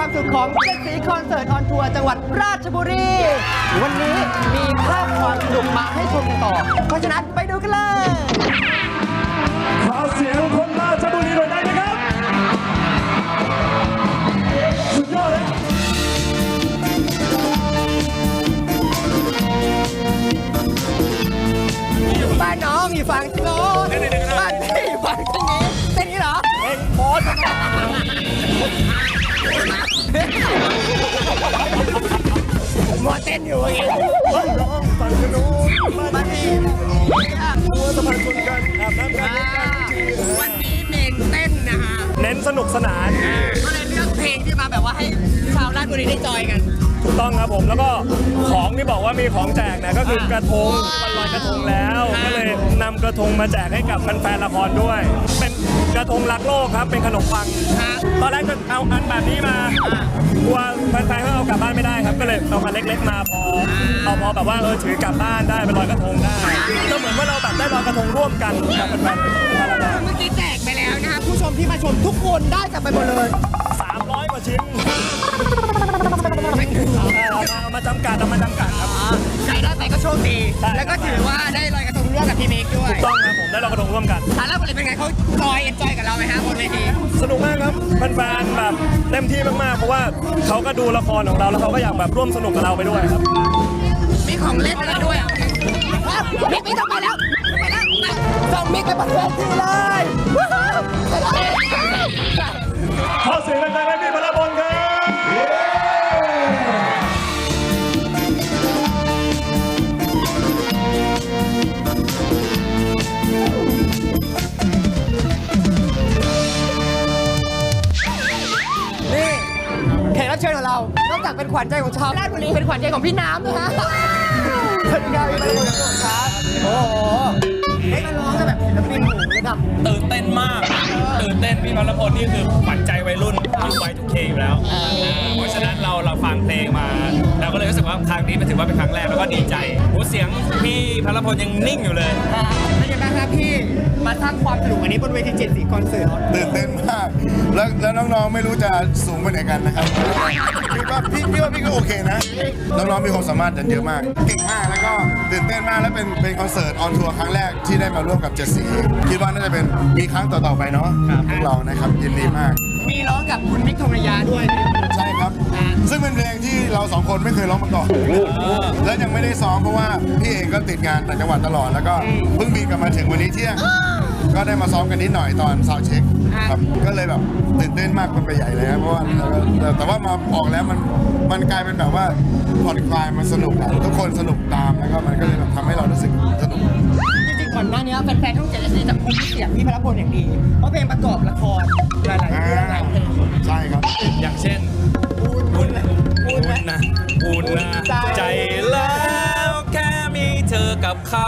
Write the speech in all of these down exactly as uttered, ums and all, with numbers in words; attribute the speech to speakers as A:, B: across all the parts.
A: ความสุขของเจ็ดสีคอนเสิร์ตออนทัวร์จังหวัดราชบุรี วันนี้มีภาพความสนุกมาให้ชมกันต่อ เพราะฉะนั้นไปดูกันเลย
B: ขอเสียงคนราชบุรีหน่อยได้ไหมครับสุดยอดเลย
A: บ้านน้องอยู่ฝั่งโน้นบ้านพี่อยู่ฝั่งทางนี้เป็นนี้เหรอเป็นโพสมัวเต้นอยู่อย่างเงี้ยบ้านน้องฝั่งโน้นบ้านพี่มัวสะพานชนกันอาบน้ำกันวันนี้เน้นเต้นนะฮะ
B: เน้นสนุกสนาน
A: ก็เลยเลือกเพลงที่มาแบบว่าให้ชาวราชบุรีได้จอยกัน
B: ถูกต้องครับผมแล้วก็ของที่บอกว่ามีของแจกเนี่ยก็คือกระทงวันลอยกระทงแล้วก็เลยนำกระทงมาแจกให้กับแฟนๆละครด้วยเป็นกระทงรักโลกครับเป็นขนมปังตอนแรกจะเอาอันแบบนี้มากลัวแฟนๆเขาเอากลับบ้านไม่ได้ครับก็เลยเอามาเล็กๆมาพอเอาพอแบบว่าเออถือกลับบ้านได้ไปลอยกระทงได้ก็เหมือนว่าเราแบบได้ลอยกระทงร่วมกันกับแฟนๆ
A: เมื่อกี้แจกไปแล้วนะครับผู้ชมที่มาชมทุกคนได้กลับไปหมดเลย
B: สามร้อยกว่าชิ้นเอามาจำกัดเอามาจำกัดครับ
A: ใครได้ไปก็โชคดีแล้วก็ถือว่าได้ลอยกระทงร่วมกับพี่เมฆด้วย
B: ถูกต้องครับผมได้ลอยกระทงร่วมกัน
A: อ่ะแล้วเป็นไงเขาจอยเอ็นจอยกับเราไหมฮะบนเวที
B: สนุกมากครับแฟนๆแบบเต็มที่มากๆเพราะว่าเขาก็ดูละครของเราแล้วเขาก็อยากแบบร่วมสนุกกับเราไปด้วยครับ
A: มีของเล่นอะไรด้วยมิกมิกต้องไปแล้วไปแล้วส่งมิกไปบนเวทีเลย
B: ขอเสียงดังๆให้พี่พลพลครับ
A: นี่แขกรับเชิญของเรานอกจากเป็นขวัญใจของชาวราชบุรีเป็นขวัญใจของพี่น้ำด้วยฮะสวัสดีครับพี่พลพลครับโอ้โหให้มาร้องกันแบบศิลปินหูระดับ
C: ตื่นเต้นมากตื่นเต้นพี่พลพลนี่คือขวัญใจวัยรุ่นอยู่วัยทุกเคอยู่แล้วเพราะฉะนั้นเราเราฟังเพลงมาเราก็เลยรู้สึกว่าครั้งนี้มันถือว่าเป็นครั้งแรกแล้วก็ดีใจหูเสียงพี่พลพลยังนิ่งอยู่เลย
A: เป็นยังไงครับพี่มาสร้างความสนุกอันนี้บนเวทีเจ็ดสีคอนเสิร์ต
D: ตื่นเต้นมากแล้วแล้วน้องๆไม่รู้จะสูงไปไหนกันนะครับพี่ว่าพี่พี่ว่าพี่ก็โอเคนะน้องๆมีความสามารถกันเยอะมากเก่งมากแล้วก็ตื่นเต้นมากและเป็นเป็นคอนเสิร์ตออนทัวร์ครั้งแรกที่ได้มาร่วมกับเจ็ดสีคิดว่าน่าจะเป็นมีครั้งต่อๆไปเนาะพวกเรานะครับยินดีมาก
A: มีร้องกับคุณมิกทองระยาด้วย
D: ใช่ครับซึ่งเป็นเพลงที่เราสองคนไม่เคยร้องมาก่อนและยังไม่ได้ซ้อมเพราะว่าพี่เองก็ติดงานต่างจังหวัดตลอดแล้วก็เพิ่งบินกลับมาถึงวันนี้เที่ยงก็ได้มาซ้อมกันนิดหน่อยตอนซาวด์เช็คครับก็เลยแบบตื่นเต้นมากเป็นไปใหญ่เลยครับเพราะว่าแต่ว่ามาออกแล้วมันมันกลายเป็นแบบว่าผ่อนคลายมันสนุกทุกคนสนุกตามแล้วก็มันก็เลยแบบทำให้เรารู้สึกสนุก
A: จริงๆก่อนหน้านี้แฟนๆช่องเจ็ดสีจะคุ้นเสียงพี่พลพลอย่างดีเพราะเพลงประกอบละครหลายๆเรื่องหลายเพลง
D: ใช่ครับ
C: อย่างเช่นอุ่นอุ่นนะอุ่นนะใจแล้วแค่มีเธอกับเขา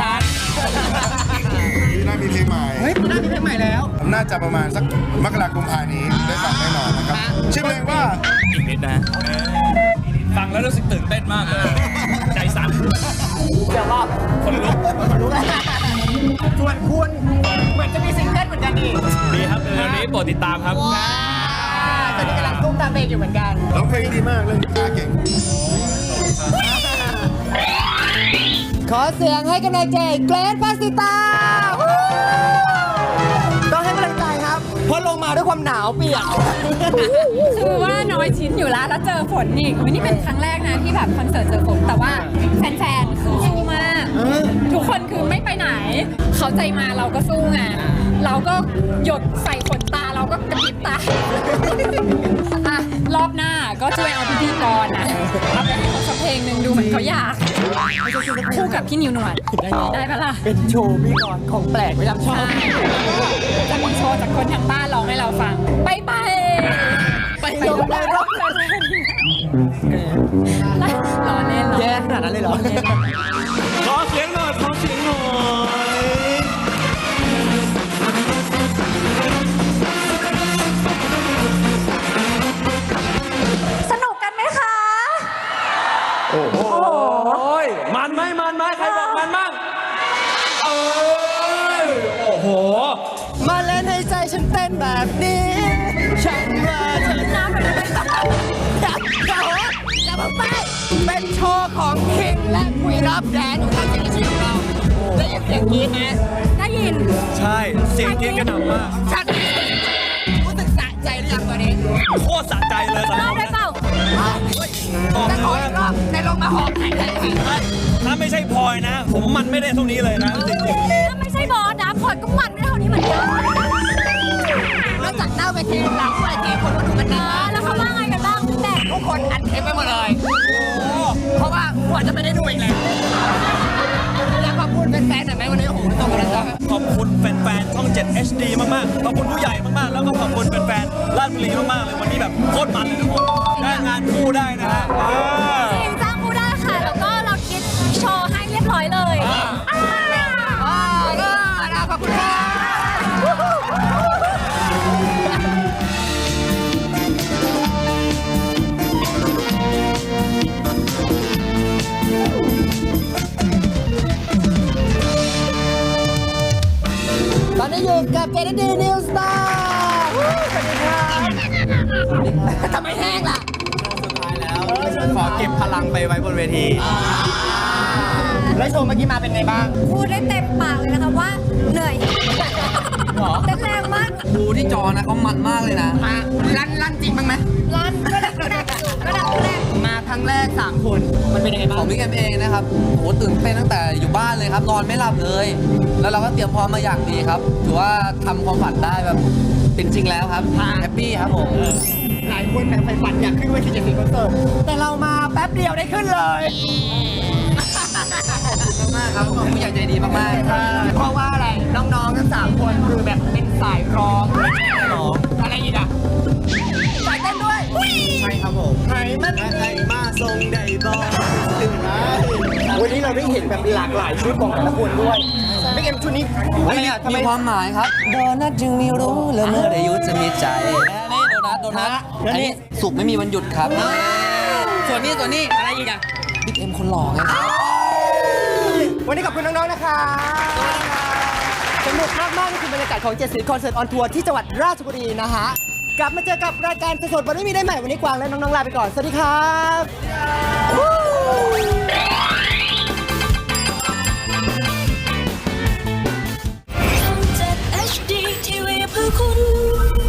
D: พี่น่ามีเพลงใหม่
A: เฮ้ยพี่น่ามีเพลงใหม่แล้ว
D: น่าจะประมาณสักมกราคมนี้ได้ฟังแน่นอนนะครับชื่อเพลงว่า
C: อีกนิดนะฟังแล้วรู้สึกตื่นเต้นมากเลยใจสั่น
A: เดี๋ยวรอบ
C: คนลุก
A: คนลุกส่วนคุณเหมือนจะมีซิงเกิลเหมือนกันอีก
C: ดีครับเรื่องนี้โปรดติดตามครับ
A: ตอนนี้กำลังตุ้มตามเพลงอยู่เหมือนกัน
D: ร้องเพลงดีมากเล่นกีตาร์เก่ง
A: ขอเสียงให้กำลังใจเกรทพาสิตาต้องให้กำลังใจครับเพราะลงมาด้วยความหนาวเปียก
E: คือว่าน้อยชิ้นอยู่แล้วแล้วเจอฝนอีกนี่เป็นครั้งแรกนะที่แบบคอนเสิร์ตเจอฝนแต่ว่าแฟนๆคือสู้มากทุกคนคือไม่ไปไหนเขาใจมาเราก็สู้ไงเราก็หยดใส่ขนตาเราก็กระพริบตาอ่ะรอบหน้าก็ช่วยเอาพิธีกรนะเอาไปให้เขาสักเพลงหนึ่งดูเหมือนเขาอยากคู่กับพี่นิวหนวดได้ปะล่ะ
A: เป็นโชว์พี่กรของแปลกไม่จำชอบ
E: จะมีโชว์จากคนทางบ้านร้องให้เราฟังไปไป
A: ไปลงได้รอบ
E: รอเล่น
A: แย่ขนาดนั้นเลยเหรอ
B: ขอเสียงหน่อยขอเสียงหน่อย
E: สนุกกันไหมคะ
B: โอ้โหมันไหมมันไหมใครบอกมันมั่งเออโอ้โห
A: มาเล่นให้ใจฉันเต้นแบบนี้ฉันว่าเธอน้ำไปเลยอบแดนของการเสียงชีวิตของเราได้ยินเสียงกรี๊ดไหม
E: ได้ยิน
B: ใช่เสียงกรี๊ดกระหน่ำมาก
A: ชัดรู้สึกสะใจหรือยังตอนนี้
B: โคตรสะใจเลยสำห
E: เล่า
B: รับ
E: ได้เปล่า
A: จะขออีกรอบในลงมาหอบแข่งกันอีก
B: ถ้าไม่ใช่พลอยนะ ผมมันไม่ได้เท่านี้เลยนะจริง
E: ถ้าไม่ใช่บอสนะพลอยก็มันไม่เท่านี้เหมือนกัน
A: นอกจากหน้าเวทีหลังเวทีคนก็ดูกันนะ
E: แล้วเขาว่าไงกันบ้างแต่
A: ทุกคนอัดเทปไปหมดเลย เพราะว่าควรจะไม่ได้ดูอีกแล้วอยากขอบคุณแฟนๆหน่อยไหมวันนี้โอ้โหตรงกันแล้วจ้ะ
B: ๆขอบคุณแฟนๆช่อง เจ็ด เอช ดี มากๆขอบคุณผู้ใหญ่มากๆแล้วก็ขอบคุณแฟนๆราชบุรีมากๆเลยวันนี้แบบโคตรมันเลยทุกคนได้งานคู่ได้นะฮะอ่า
E: จริงจ้างผู้ได้ค่ะ แล้วก็เราคิดโชว์ให้เรียบร้อยเลย
A: อ่าก็นะขอบคุณค่ะตอนนี้อยู่กับเจนดีนิวสตาร์สวัสดีครับทำไมแห้งล่ะ
F: ขอเก็บพลังไปไว้บนเวที
A: แล้วโชว์เมื่อกี้มาเป็นไงบ้าง
E: พูดได้เต็มปากเลยนะคะว่าเหนื่อยเต้นแรงมาก
F: ดูที่จอนะเขามันมากเลยนะ
A: มาลั่นลั่นจริงบ้างไหม
E: รันก็ดักก็ดักก็ดักก็ดัก
A: มาครั้งแรกสามคนมันเป็นยังไง
F: ข
A: บ้า
F: อง งบิ๊กเอ็มเองนะครับโหตื่นเต้นตั้งแต่อยู่บ้านเลยครับ นอนไม่หลับเลย แล้วเราก็เตรียมพร้อมมาอย่างดีครับ ถือว่าทำความฝันได้แบบเป็นจริงแล้วครับ แฮปปี้ครับผม
A: หลายคนแบบไฟฝันอยากขึ้นเวทีเจ็ดสิบคอนเสิร์ตแต่เรามาแป๊บเดียวได้ขึ้นเลย
F: มากครับผมผู้ใหญ่ใจดีมากๆครับ
A: เพราะว่าอะไรน้องๆทั้งสามคนคือแบบเป็นสายร้องอะไรอีกอะสายเต้นด้วย
F: ใช่ครับผม
A: ไหนมัน
F: ใครมาทรงใดบอกตื่นมา
A: วันนี้เราได้เห็นแบบหลากหลายชุดของแต่ละคนด้วยไม่เอ็มชุดนี้อะไรอะทำไม
F: มีความหมายครับโดนัทจึงมีรู้แล้วเมื่อได้หยุดจะมีใจนี่โดนัทโดนัทอันนี้สุกไม่มีวันหยุดครับ ส่วนนี้ส่วนนี้
A: อะไรอีกอะ
F: บิ๊กเอ็มคนหล่อไงครับ
A: วันนี้ขอบคุณน้องๆนะคะสนุกมากๆนี่คือบรรยากาศของเจ็ดสิบคอนเสิร์ตออนทัวร์ที่จังหวัดราชบุรีนะฮะกลับมาเจอกับรายการสดๆวันนี้มีได้ใหม่วันนี้กวางและน้องๆลาไปก่อนสวัสดีครับ
G: เจ็ด เอช ดี ที วี เพื่อคุณ